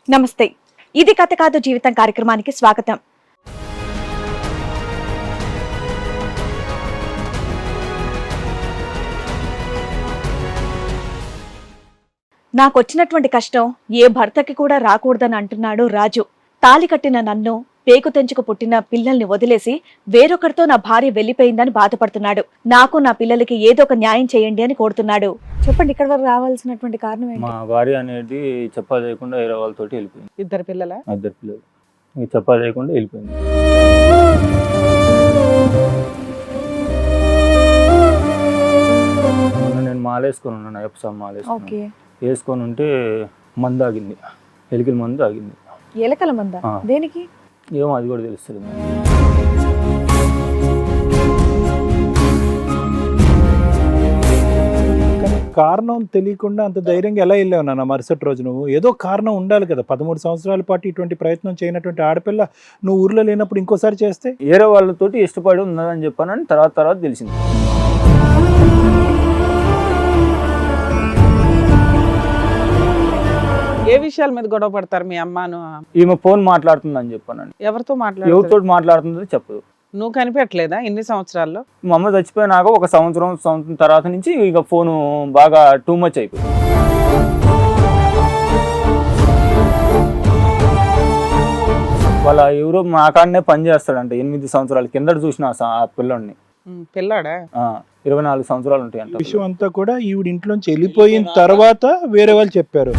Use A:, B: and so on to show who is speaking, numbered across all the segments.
A: నమస్తే, ఇది కథ కాదు జీవితం కార్యక్రమానికి స్వాగతం. నాకొచ్చినటువంటి కష్టం ఏ భర్తకి కూడా రాకూడదని అంటున్నాడు రాజు. తాలి కట్టిన నన్ను, పేకు తెంచుకు పుట్టిన పిల్లల్ని వదిలేసి వేరొకరితో నా భార్య వెళ్లిపోయిందని బాధపడుతున్నాడు. నాకు నా పిల్లలకి ఏదో ఒక న్యాయం చేయండి అని కోరుతున్నాడు. చెప్పండి, ఇక్కడ వరకు రావాల్సినటువంటి కారణం ఏంటి?
B: మా భార్య అనేది చెప్పా చేయకుండా వేరే వాళ్ళతో వెళ్ళిపోయింది.
C: ఇద్దరు పిల్లలు
B: చెప్పా చేయకుండా వెళ్ళిపోయింది. నేను మాలేసుకొని ఉన్నాను, ఎప్సామ్ మాలేసుకొని వేసుకొని ఉంటే మందు ఆగింది, ఎలికల మందు ఆగింది.
A: ఎలకల మంద? దేనికి?
B: ఏమో అది కూడా తెలుస్తుంది.
D: కారణం తెలియకుండా అంత ధైర్యంగా ఎలా వెళ్ళావు నాన్న మరుసటి రోజు? నువ్వు ఏదో కారణం ఉండాలి కదా. 13 సంవత్సరాల పాటు ఇటువంటి ప్రయత్నం చేయనటువంటి ఆడపిల్ల నువ్వు ఊర్లో లేనప్పుడు ఇంకోసారి చేస్తే?
B: వేరే వాళ్ళతోటి ఇష్టపడి ఉన్నదని చెప్పానని తర్వాత తెలిసింది.
C: ఏ విషయాల మీద గొడవ పడతారు మీ అమ్మను?
B: ఈమె ఫోన్ మాట్లాడుతుందని చెప్పానండి.
C: ఎవరితో
B: ఎవరితో మాట్లాడుతుందో చెప్పదు.
C: నువ్వు కనిపెట్టలేదా ఇన్ని సంవత్సరాల్లో?
B: మా అమ్మ చచ్చిపోయినాక ఒక సంవత్సరం తర్వాత నుంచి ఇక ఫోను బాగా టూ మచ్ అయిపోయింది. వాళ్ళ ఎవరో మా కాడనే పని చేస్తాడంట. 8 సంవత్సరాల కిందట చూసిన ఆ పిల్లోడిని.
C: పిల్లాడా?
B: 24 సంవత్సరాలు ఉంటాయి అంట.
D: విషయం అంతా కూడా ఈవిడ ఇంట్లోంచి వెళ్ళిపోయిన తర్వాత వేరే వాళ్ళు చెప్పారు.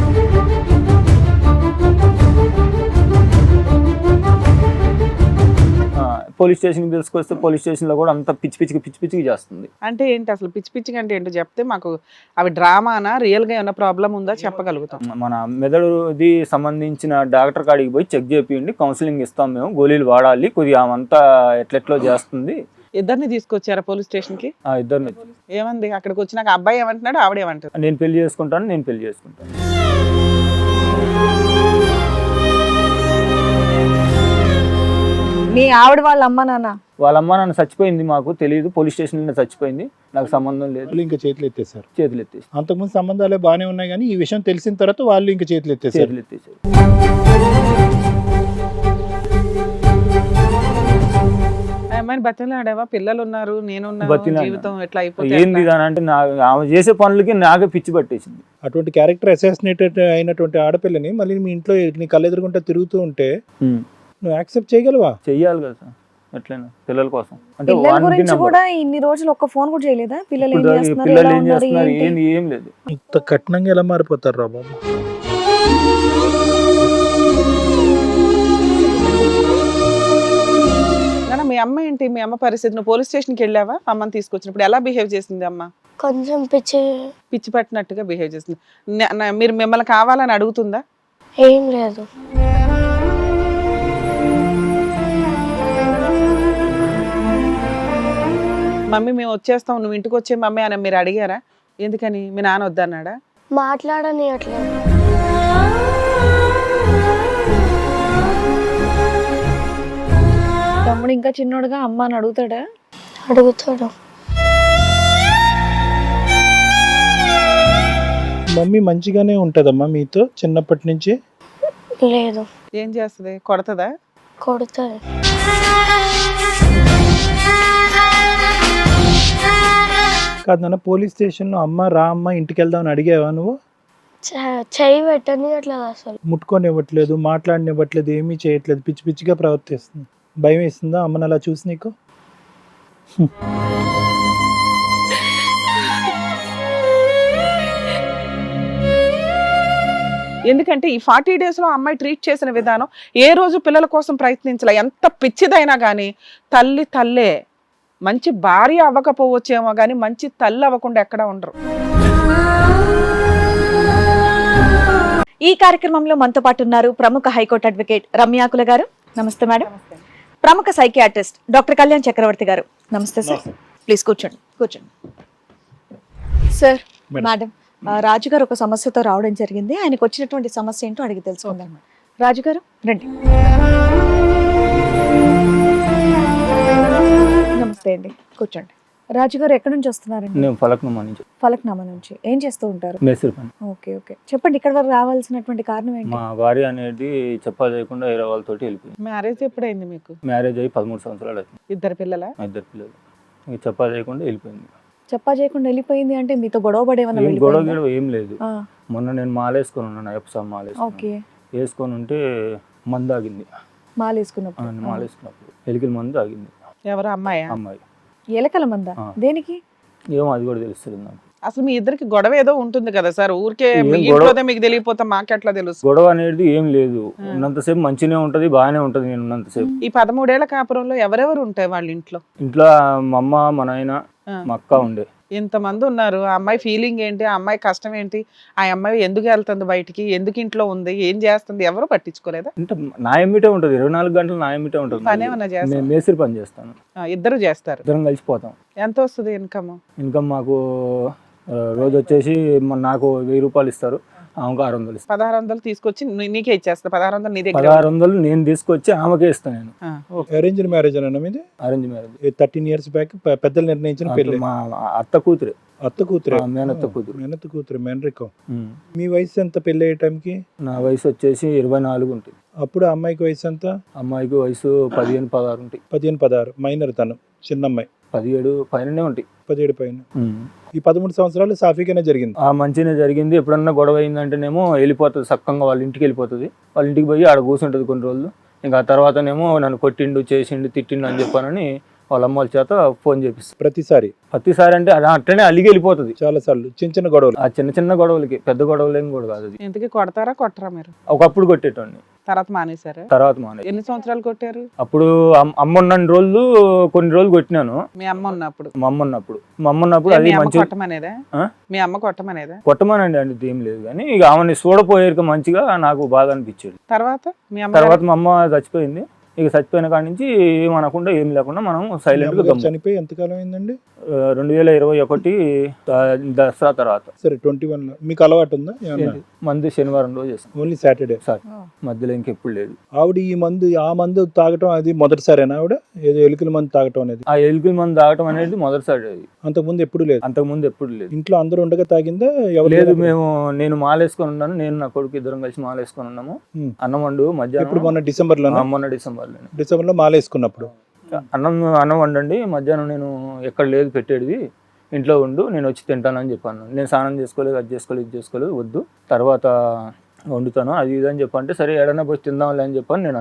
B: పోలీస్ స్టేషన్కి తీసుకొస్తే పోలీస్ స్టేషన్లో కూడా అంత పిచ్చి పిచ్చికి చేస్తుంది.
C: అంటే ఏంటి అసలు పిచ్చిగా అంటే ఏంటో చెప్తే మాకు అవి డ్రామానా రియల్గా ఏమైనా ప్రాబ్లం ఉందా చెప్పగలుగుతాం.
B: మన మెదడుది సంబంధించిన డాక్టర్ కాడికి పోయి చెక్ చేపియండి, కౌన్సిలింగ్ ఇస్తాం, మేము గోళీలు వాడాలి, కొద్దిగా ఆమంతా ఎట్లెట్లో చేస్తుంది.
C: ఇద్దరిని తీసుకొచ్చారా పోలీస్ స్టేషన్కి?
B: ఇద్దరిని.
C: ఏమంది అక్కడికి వచ్చినాక? అబ్బాయి ఏమంటున్నాడు, ఆవిడేమంటారు?
B: నేను పెళ్లి చేసుకుంటాను.
A: మీ ఆవిడ వాళ్ళ అమ్మ నాన్న?
B: వాళ్ళ అమ్మ నాన్న చచ్చిపోయింది, మాకు తెలియదు. పోలీస్ స్టేషన్లో చచ్చిపోయింది, నాకు సంబంధం లేదు.
D: ఇంకా చేతులు ఎత్తేసారు. అంతకుముందు సంబంధాలే బాగానే ఉన్నాయి కానీ ఈ విషయం తెలిసిన తర్వాత వాళ్ళు ఇంకా చేతులు ఎత్తేసారు.
C: అమ్మాయిని బతిలాడావా? పిల్లలు ఉన్నారు, నేనున్నా, జీవితం ఎట్లా అయిపోయింది
B: ఏంది అంటే ఆమె చేసే పనులకి నాకే పిచ్చి పట్టేసింది.
D: అటువంటి క్యారెక్టర్ అసాసినేటెడ్ అయినటువంటి ఆడపిల్లని మళ్ళీ మీ ఇంట్లో నీ కళ్ళెదురుకుంటా తిరుగుతూ ఉంటే నువ్వు యాక్సెప్ట్ చేయగలవా?
B: చెయ్యాలి కదా సార్, ఎట్లయినా పిల్లల కోసం. అంటే
A: ఇన్ని రోజులు ఒక్క ఫోన్ కూడా చేయలేదా? పిల్లలు ఏం
B: చేస్తున్నారు ఏం లేదు.
D: ఇంత కఠినంగా ఎలా మారిపోతారు రా బాబు?
C: మీ అమ్మ ఏంటి? మీ అమ్మ పరిస్థితి? నువ్వు పోలీస్ స్టేషన్కి వెళ్ళావా? అమ్మని తీసుకొచ్చినప్పుడు ఎలా బిహేవ్ చేసింది అమ్మ?
E: కొంచెం పిచ్చి
C: పట్టినట్టుగా బిహేవ్ చేసింది. మీరు మిమ్మల్ని కావాలని అడుగుతుందా?
E: ఏం లేదు.
C: మమ్మీ మేము వచ్చేస్తాం, నువ్వు ఇంటికి వచ్చే మమ్మీ అని మీరు అడిగారా? ఎందుకని? మీ నాన్న వద్దన్నాడా?
E: మాట్లాడనియట్లేదు.
A: తమ్ముడు ఇంకా చిన్నోడుగా అమ్మ అని అడుగుతాడా?
E: అడుగుతాడు.
D: మమ్మీ మంచిగానే ఉంటదమ్మా మీతో చిన్నప్పటి నుంచి?
E: లేదు.
C: ఏం చేస్తుంది? కొడతదా?
E: కొడుతుంది.
D: కాదు నాన్న, పోలీస్ స్టేషన్లో అమ్మ రా అమ్మ ఇంటికి వెళ్దామని అడిగావా నువ్వు?
E: చెయ్యి పెట్టనివ్వట్లేదు, అసలు
D: ముట్టుకొనివ్వట్లేదు, మాట్లాడనివ్వట్లేదు, ఏమీ చేయట్లేదు, పిచ్చిగా ప్రవర్తిస్తుంది. భయం వేస్తుందా అమ్మని అలా చూసి నీకు?
C: ఎందుకంటే ఈ 40 days లో అమ్మాయి ట్రీట్ చేసిన విధానం, ఏ రోజు పిల్లల కోసం ప్రయత్నించలే. ఎంత పిచ్చిదైనా కానీ తల్లే. మంచి భార్య అవ్వకపోవచ్చేమో కానీ మంచి తల్లి అవ్వకుండా ఎక్కడ ఉండరు.
A: ఈ కార్యక్రమంలో మనతో పాటు ఉన్నారు ప్రముఖ హైకోర్టు అడ్వకేట్ రమ్యాకుల గారు. నమస్తే మేడం. ప్రముఖ psychiatrist doctor Kalyan Chakravarthy garu. Namaste sir. Please కూర్చోండి. సార్, మేడం, రాజుగారు ఒక సమస్యతో రావడం జరిగింది. ఆయనకు వచ్చినటువంటి సమస్య ఏంటో అడిగి తెలుసుకుందాం. రాజుగారు రండి. నమస్తే అండి, కూర్చోండి. రాజు గారు ఎక్కడి నుంచి వస్తున్నారండి?
B: నేను ఫలక్నుమా నుంచి
A: ఫలక్నామా నుంచి. ఏం చేస్తూ ఉంటారు?
B: మేస్త్రి పని.
A: ఓకే ఓకే, చెప్పండి ఇక్కడ వరకు రావాల్సినటువంటి కారణం ఏంటి?
B: మా భార్య అనేది చెప్పా చేయకుండా వేరే వాళ్ళతోటి వెళ్ళిపోయింది.
C: మ్యారేజ్ ఎప్పుడైంది మీకు?
B: మ్యారేజ్ అయ్యి 13 సంవత్సరాలు అవుతుంది.
C: ఇద్దరు పిల్లల?
B: ఇద్దరు పిల్లలు. ఇక చెప్పా చేయకుండా వెళ్ళిపోయింది.
A: చెప్పా చేయకుండా వెళ్ళిపోయింది అంటే మీతో గొడవ పడేమన్నా
B: ఏం గొడవ
A: వెళ్ళిపోయిందా?
B: గిడవ ఏం లేదు.
A: ఆ,
B: మొన్న నేను మాలేసుకొని ఉన్నాను, అయ్యప్ప మాలేసుకొని
A: ఓకే.
B: వేసుకొని ఉంటే మందు ఆగింది.
A: మాల వేసుకున్నప్పుడు
B: మాలేసుకున్నప్పుడు ఎలికల మందు ఆగింది.
C: ఎవరు అమ్మాయా?
B: అమ్మాయి
A: ఎలకల మంద
B: ఆ.
A: దేనికి?
B: ఏమో అది కూడా తెలుస్తుంది నాకు.
C: అసలు మీ ఇద్దరికి గొడవ ఏదో ఉంటుంది కదా సార్, ఊరికే
B: ఏం
C: మీ
B: గొడవ?
C: ఇంట్లోనే మీకు తెలియపోతే మాకెట్లా తెలుసు?
B: గొడవ అనేది ఏం లేదు. ఉన్నంతసేపు మంచిగానే ఉంటది, బాగానే ఉంటది. నేను ఉన్నంతసేపు
C: ఈ 13 ఏళ్ల కాపురంలో ఎవరెవరు ఉంటాయి వాళ్ళ ఇంట్లో?
B: ఇంట్లో మా అమ్మ, మా నాయన,
C: ఆ.
B: మా అక్క ఉండే.
C: ఇంతమంది ఉన్నారు, ఆ అమ్మాయి ఫీలింగ్ ఏంటి, ఆ అమ్మాయి కష్టం ఏంటి, ఆ అమ్మాయి ఎందుకు వెళ్తుంది బయటికి, ఎందుకు ఇంట్లో ఉంది, ఏం చేస్తుంది, ఎవరు పట్టించుకోలేదా?
B: అంటే నా ఎమ్మిటే ఉంటది, 24 గంటలు నా ఎమ్మిటే ఉంటది.
C: పని ఏమన్నా చేస్తారా?
B: నేను మేస్త్రి పని చేస్తాను.
C: ఇద్దరు చేస్తారు.
B: ఇద్దరం కలిసిపోతాం.
C: ఎంత వస్తుంది ఇన్కమ్?
B: ఇన్కమ్ మాకు రోజు వచ్చేసి నాకు 1000 రూపాయలు ఇస్తారు, ఆమెకు 600 ఇస్తారు.
C: 1600 తీసుకొచ్చి నీకే ఇచ్చేస్తా. 1600 నీ దగ్గర?
B: 1600 నేను తీసుకొచ్చి ఆమెకే ఇస్తాను. నేను
C: ఆ,
D: అరేంజ్డ్ మ్యారేజ్ అన్న మీది?
B: Arrange marriage.
D: 13 years బ్యాక్ పెద్దలు నిర్ణయించిన పెళ్లి.
B: మా అత్త కూతురే,
D: అత్త కూతురే?
B: ఆ, మేనత్త కూతురు.
D: మేనత్త కూతురు, మేనరికం.
B: ఉమ్.
D: మీ వయసు ఎంత పెళ్లి అయ్యే టైంకి?
B: నా వయసు వచ్చేసి 24 ఉంటుంది.
D: అప్పుడు అమ్మాయికి వయసు ఎంత?
B: అమ్మాయికి వయసు 15, 16 ఉంటాయి.
D: 15, 16. మైనర్ తను, చిన్న అమ్మాయి.
B: 17 పైననే ఉంటాయి.
D: 17 పైన. ఈ 13 సంవత్సరాలు సాఫీగానే జరిగింది.
B: ఆ మంచిగానే జరిగింది. ఎప్పుడన్నా గొడవ అయిందంటేనేమో వెళ్ళిపోతుంది, సక్కంగా వాళ్ళ ఇంటికి వెళ్ళిపోతుంది. వాళ్ళ ఇంటికి పోయి ఆడ కూర్చుంటుంది కొన్ని రోజులు. ఇంకా ఆ తర్వాతనేమో నన్ను కొట్టిండు, చేసిండు, తిట్టిండు అని చెప్పానని వాళ్ళ అమ్మ వాళ్ళ చేత ఫోన్ చేపిస్తుంది ప్రతిసారి. అంటే అది అట్లనే అలిగి వెళ్ళిపోతుంది.
D: చాలా సార్లు చిన్న చిన్న గొడవలు.
B: ఆ చిన్న చిన్న గొడవలకి, పెద్ద గొడవలు ఏం కూడా కాదు. అది
C: ఇంతకీ కొడతారా కొట్టరా మీరు?
B: ఒకప్పుడు కొట్టేటోడిని,
C: తర్వాత మానేశారా?
B: తర్వాత మానే.
C: ఎన్ని సంవత్సరాలు కొట్టారు?
B: అప్పుడు అమ్మ ఉన్న రోజులు కొన్ని రోజులు కొట్టినాను.
C: మీ అమ్మ ఉన్నప్పుడు?
B: మా అమ్మ ఉన్నప్పుడు అది
C: మీ అమ్మ
B: మంచి
C: కొట్టమనేదా?
B: ఆ?
C: మీ అమ్మ కొట్టమనేదా?
B: కొట్టమానండి అంటే ఏం లేదు, కానీ ఇక ఆమెని చూడపోయేక మంచిగా నాకు బాధ అనిపించేది.
C: తర్వాత మీ అమ్మ
B: తర్వాత మా అమ్మ చచ్చిపోయింది. ఇక చచ్చిపోయిన కాడి నుంచి ఏమనకుండా ఏం లేకుండా మనం సైలెంట్ గా గమ్ము.
D: చనిపోయి ఎంతకాలం అయిందండి?
B: 2021 దసరా తర్వాత.
D: సరే, 21 లో. మీకు అలవాటు ఉందా ఏమన్నా?
B: మందు శనివారం రోజు చేస్తాం.
D: Only Saturday?
B: సార్ మధ్యలో ఇంకెప్పుడు లేదు.
D: ఆవిడ ఆ మందు తాగటం అది మొదటిసారేనా ఆవిడ? ఏదో ఎలుకల మందు తాగటం అనేది?
B: ఆ ఎలుకల మందు తాగటం అనేది మొదటిసారి. అది
D: అంతకుముందు ఎప్పుడు లేదు?
B: అంతకుముందు ఎప్పుడు లేదు.
D: ఇంట్లో అందరూ ఉండగా తాగిందా? ఎవరు
B: లేదు, నేను మాలేసుకొని ఉన్నాను, నేను నా కొడుకు ఇద్దరం కలిసి మాలేసుకొని ఉన్నాము. అన్నం వండు మధ్యాహ్నం.
D: ఇప్పుడు మొన్న డిసెంబర్ లో?
B: మొన్న డిసెంబర్
D: లో మాలేసుకున్నప్పుడు
B: అన్నం వండండి మధ్యాహ్నం, నేను ఎక్కడ లేదు పెట్టేది, ఇంట్లో ఉండు, నేను వచ్చి తింటానని చెప్పాను. నేను స్నానం చేసుకోలేదు, అది చేసుకోలేదు, ఇది చేసుకోలేదు, వద్దు, తర్వాత వండుతాను అది ఇది అని చెప్పంటే, సరే ఏడన్నా పోయి తిందాంలే అని చెప్పని నేను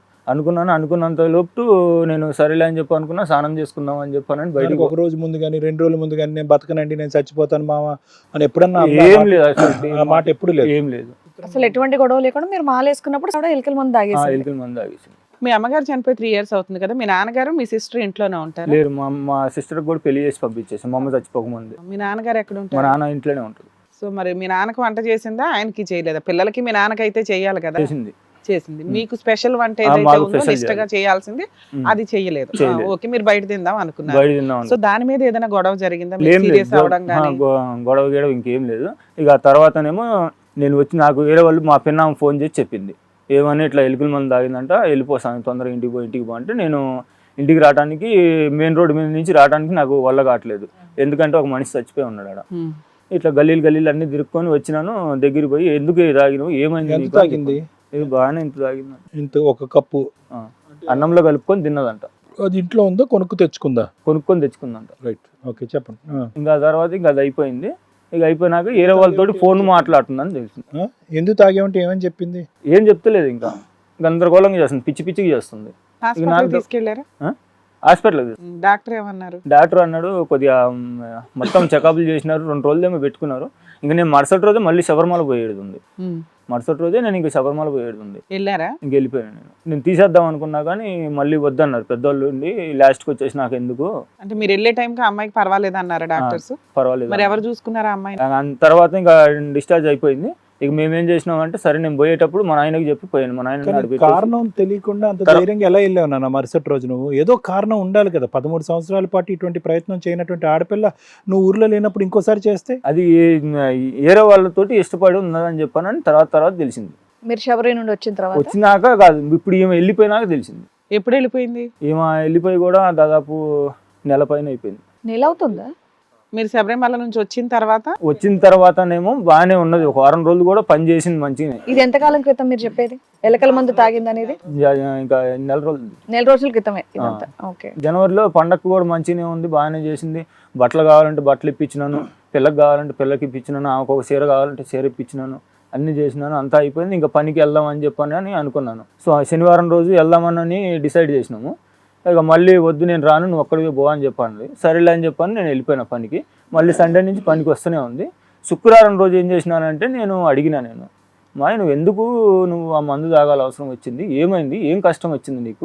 B: అనుకున్నంత లోపు నేను సరేలే అని చెప్పి అనుకున్నా, స్నానం చేసుకుందాం అని చెప్పానని బయటకు.
D: ఒక రోజు ముందు కానీ 2 రోజుల ముందు కానీ నేను బతకనండి, నేను చచ్చిపోతాను మామ అని ఎప్పుడన్నా?
B: ఏం లేదు అసలు,
D: ఆ మాట ఎప్పుడు లేదు?
B: ఏం లేదు
A: అసలు ఎటువంటి గొడవ లేకుండా మీరు మాల వేసుకున్నప్పుడు ఆవిడ ఎలకల మందు తాగేసి?
B: ఎలుకల మందు తాగేసి.
C: మీ అమ్మగారు చనిపోయి 3 years అవుతుంది కదా, మీ నాన్నగారు మీ సిస్టర్ ఇంట్లోనే ఉంటారు?
B: లేరు, మా సిస్టర్ కూడా పెళ్లి చేసి పంపించేసి, మా అమ్మ చచ్చిపోకముందే.
C: మీ నాన్నగారు ఎక్కడ
B: మా
C: ఉంటారు?
B: నాన్న ఇంట్లోనే ఉంటాడు.
C: సో మరి మీ నాన్నకు వంట చేసిందా, ఆయనకి చేయలేదా? పిల్లలకి మీ నాన్నకైతే చేయాలి కదా? చేసింది. మీకు స్పెషల్ వంట ఏదైతే
B: మాకు
C: ఉందో
B: special
C: నిష్టగా చేయాల్సింది అది చేయలేదు. ఓకే, మీరు బయట తిందాం అనుకున్నారు.
B: బయట తిందాం.
C: సో దాని మీద ఏదైనా గొడవ జరిగిందా?
B: ఏం
C: సీరియస్
B: లేదు,
C: అవడం కానీ?
B: గొడవ గీయడం ఇంకేం లేదు. ఇక ఆ తర్వాతనేమో నేను వచ్చి, నాకు వేరే వాళ్ళు మా పిన్న ఫోన్ చేసి చెప్పింది, ఏమని ఇట్లా ఎలుకల మందు తాగిందంట, వెళ్ళిపోతాను తొందరగా ఇంటికి పో అంటే, నేను ఇంటికి రావడానికి మెయిన్ రోడ్ మీద నుంచి రావడానికి నాకు వల్ల కావట్లేదు, ఎందుకంటే ఒక మనిషి చచ్చిపోయి ఉన్నాడు ఆడ. ఇట్లా గల్లీలు అన్ని తిరుక్కొని వచ్చినాను. దగ్గరికి పోయి, ఎందుకు తాగినావు, ఏమైంది
D: తాగింది?
B: ఇది బాగానే ఇంత తాగింది,
D: ఇంత ఒక కప్పు
B: అన్నంలో కలుపుకొని తిన్నదంట.
D: అది ఇంట్లో ఉందా, కొనుక్కొని తెచ్చుకుందంట? రైట్, ఓకే, చెప్పండి.
B: ఇంకా తర్వాత ఇంకా అది అయిపోయింది. ఇక అయిపోయినాక వేరే వాళ్ళతోటి ఫోన్ మాట్లాడుతుందని తెలిసింది.
D: ఎందుకు తాగేమంటే ఏమని చెప్పింది?
B: ఏం చెప్తలేదు, ఇంకా గందరగోళంగా చేస్తుంది, పిచ్చిగా చేస్తుంది.
C: హాస్పిటల్ తీసుకెళ్లారా?
B: హాస్పిటల్
C: డాక్టర్ ఏమన్నారు?
B: డాక్టర్ అన్నాడు, కొద్దిగా మొత్తం చెకప్లు చేసినారు, 2 రోజులేమో పెట్టుకున్నారు. ఇంకా నేను మరుసటి రోజే మళ్ళీ శబరిమల పోయేది ఉంది. మరుసటి రోజే నేను ఇంకా శబరిమల పోయేది ఉంది.
C: వెళ్ళారా?
B: ఇంక వెళ్ళిపోయాను. నేను తీసేద్దాం అనుకున్నా కానీ మళ్ళీ వద్దన్నారు పెద్దోళ్ళు ఉండి, లాస్ట్కి వచ్చేసి నాకు ఎందుకు.
C: అంటే మీరు వెళ్ళే టైంకి అమ్మాయికి పర్వాలేదు అన్నారా డాక్టర్స్?
B: పర్వాలేదు.
C: మరి ఎవరు చూసుకున్నారా అమ్మాయిని?
B: తర్వాత ఇంకా డిశ్చార్జ్ అయిపోయింది. ఇక మేమేం చేసినాం అంటే, సరే నేను పోయేటప్పుడు మా నాయనకి చెప్పి పోయాను. మా నాయన
D: కారణం తెలియకుండా అంత ధైర్యంగా ఎలా వెళ్ళావు నాన్న మరుసటి రోజు? నువ్వు ఏదో కారణం ఉండాలి కదా. 13 సంవత్సరాల పాటు ఇటువంటి ప్రయత్నం చేయనటువంటి ఆడపిల్ల నువ్వు ఊర్లో లేనప్పుడు ఇంకోసారి చేస్తే?
B: అది వేరే వాళ్ళతోటి ఇష్టపడి ఉన్నదని చెప్పానని తర్వాత తెలిసింది.
A: మీరు శబరి నుండి
B: వచ్చినాక కాదు, ఇప్పుడు ఈమె వెళ్ళిపోయినాక తెలిసింది.
C: ఎప్పుడు వెళ్ళిపోయింది?
B: ఈమె వెళ్ళిపోయి కూడా దాదాపు నెల పైన అయిపోయింది.
A: నెల అవుతుందా?
C: మీరు శబరిమల నుంచి వచ్చిన తర్వాత
B: వచ్చిన తర్వాతనేమో బాగానే ఉన్నది, ఒక వారం రోజులు కూడా పని చేసింది మంచిగానే.
A: ఇది ఎంతకాలం క్రితం మీరు చెప్పేది? ఎలకల మందు తాగింది అనేది
B: ఇంకా నెల రోజులు,
A: నెల రోజుల క్రితమే ఇదంతా. ఓకే.
B: జనవరిలో పండగ కూడా మంచిగానే ఉంది, బాగానే చేసింది. బట్టలు కావాలంటే బట్టలు ఇప్పించినాను, పిల్లకి కావాలంటే పిల్లకి ఇప్పించినాను, ఆమెకు ఒక చీర కావాలంటే చీర ఇప్పించినాను, అన్ని చేసినాను. అంతా అయిపోయింది, ఇంకా పనికి వెళ్దామని చెప్పని అనుకున్నాను. సో ఆ శనివారం రోజు వెళ్దామని డిసైడ్ చేసినాము. ఇక మళ్ళీ వద్దు నేను రాను, నువ్వు ఒక్కడికి పో అని చెప్పండి. సరేలే అని చెప్పని నేను వెళ్ళిపోయిన పనికి. మళ్ళీ సండే నుంచి పనికి వస్తూనే ఉంది. శుక్రవారం రోజు ఏం చేసినానంటే నేను మా నువ్వు ఎందుకు నువ్వు ఆ మందు తాగాల అవసరం వచ్చింది, ఏమైంది, ఏం కష్టం వచ్చింది నీకు?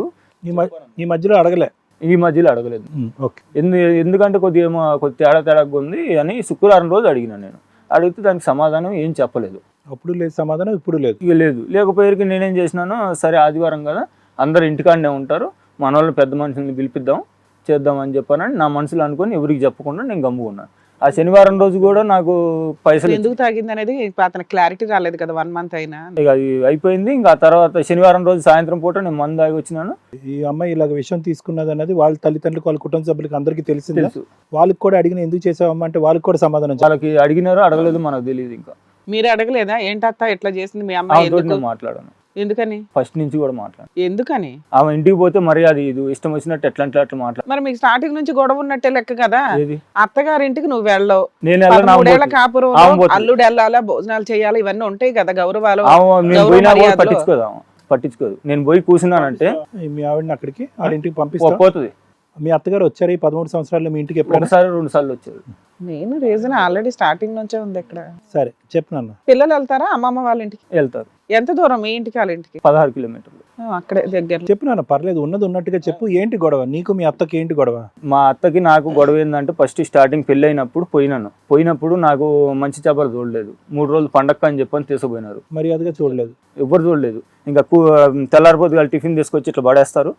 D: ఈ మధ్యలో అడగలే?
B: ఈ మధ్యలో అడగలేదు.
D: ఓకే.
B: ఎందుకంటే కొద్దిగా తేడాగా ఉంది అని శుక్రవారం రోజు అడిగినా. నేను అడిగితే దానికి సమాధానం ఏం చెప్పలేదు.
D: అప్పుడు లేదు సమాధానం, ఇప్పుడు లేదు.
B: ఇక లేదు. లేకపోయేకి నేనేం చేసినాను, సరే ఆదివారం కదా అందరు ఇంటికాడనే ఉంటారు, మన వాళ్ళు పెద్ద మనుషుల్ని పిలిపిద్దాం చేద్దాం అని చెప్పానని నా మనసులో అనుకొని ఎవరికి చెప్పకుండా నేను గమ్ముకున్నాను. ఆ శనివారం రోజు కూడా నాకు పైసలు
C: ఎందుకు తాగింది అనేది అతనికి క్లారిటీ రాలేదు కదా 1 month అయినా.
B: ఇక అది అయిపోయింది. ఇంకా ఆ తర్వాత శనివారం రోజు సాయంత్రం పూట నేను మందు తాగి వచ్చినాను.
D: ఈ అమ్మాయి ఇలాగ విషయం తీసుకున్నది అనేది వాళ్ళ తల్లిదండ్రులకు, వాళ్ళ కుటుంబ సభ్యులకు అందరికీ తెలిసింది.
B: తెలుసు.
D: వాళ్ళకి కూడా అడిగిన ఎందుకు చేసావమ్మా అంటే వాళ్ళకి కూడా సమాధానం చెప్పాలి.
B: వాళ్ళకి అడిగినారో అడగలేదు మనకు తెలియదు. ఇంకా
C: మీరు అడగలేదా ఏంటత్త ఎట్లా చేసింది మీ అమ్మాయి?
B: ఆమెతో
C: ఎందుకు?
B: నేను మాట్లాడాను,
C: ఎందుకని?
B: ఫస్ట్ నుంచి కూడా మాట్లాడాను.
C: ఎందుకని?
B: ఆమె ఇంటికి పోతే మరి అది ఇది ఇష్టం వచ్చినట్టు ఎట్లా అట్లా మాట్లాడు.
C: మరి మీకు స్టార్టింగ్ నుంచి గొడవ ఉన్నట్టే లెక్క కదా.
B: ఏది?
C: అత్తగారింటికి నువ్వు వెళ్ళవు,
B: నేను వెళ్ళను, ఆమె
C: 13 ఏళ్ల
B: పోతుంది.
C: కాపురం,
B: ఆమె పోతుంది.
C: అల్లుడు వెళ్ళాలా, భోజనాలు చేయాలి, ఇవన్నీ ఉంటాయి కదా గౌరవాలు.
B: నేను
C: గౌరవ
B: పోయినా కూడా
C: మర్యాదలు.
B: పట్టించుకోదు ఆమె, పట్టించుకోదు. నేను పోయి కూర్చున్నానంటే
D: మీ ఆవిడని అక్కడికి వాళ్ళ ఇంటికి పంపిస్తా.
B: పోతుంది.
D: మీ అత్తగారు వచ్చారు ఈ 13 సంవత్సరాల్లో మీ ఇంటికి ఎప్పుడు?
B: ఒకసారి 2 సార్లు వచ్చారు.
C: నేను రీజన్ ఆల్రెడీ స్టార్టింగ్ నుంచే ఉంది ఇక్కడ.
D: సరే చెప్పు నాన్న.
C: పిల్లలు వెళ్తారా అమ్మమ్మ వాళ్ళ ఇంటికి?
B: వెళ్తారు.
C: ఎంత దూరం మీ ఇంటికి వాళ్ళ ఇంటికి?
B: 16 కిలోమీటర్లు.
C: అక్కడే దగ్గర.
D: చెప్పు నాన్న, పర్లేదు, ఉన్నది ఉన్నట్టుగా చెప్పు. ఏంటి గొడవ నీకు మీ అత్తకి? ఏంటి గొడవ?
B: మా అత్తకి నాకు గొడవ ఏంటంటే ఫస్ట్ స్టార్టింగ్ పెళ్ళి అయినప్పుడు పోయినప్పుడు నాకు మంచి చేపలు చూడలేదు. 3 రోజులు పండగ అని చెప్పని తీసుకుపోయినారు.
D: మర్యాదగా చూడలేదు.
B: ఎవ్వరు చూడలేదు. ఇంకా తెల్లారిపోతే వాళ్ళు టిఫిన్ తీసుకొచ్చి ఇట్లా పడేస్తారు.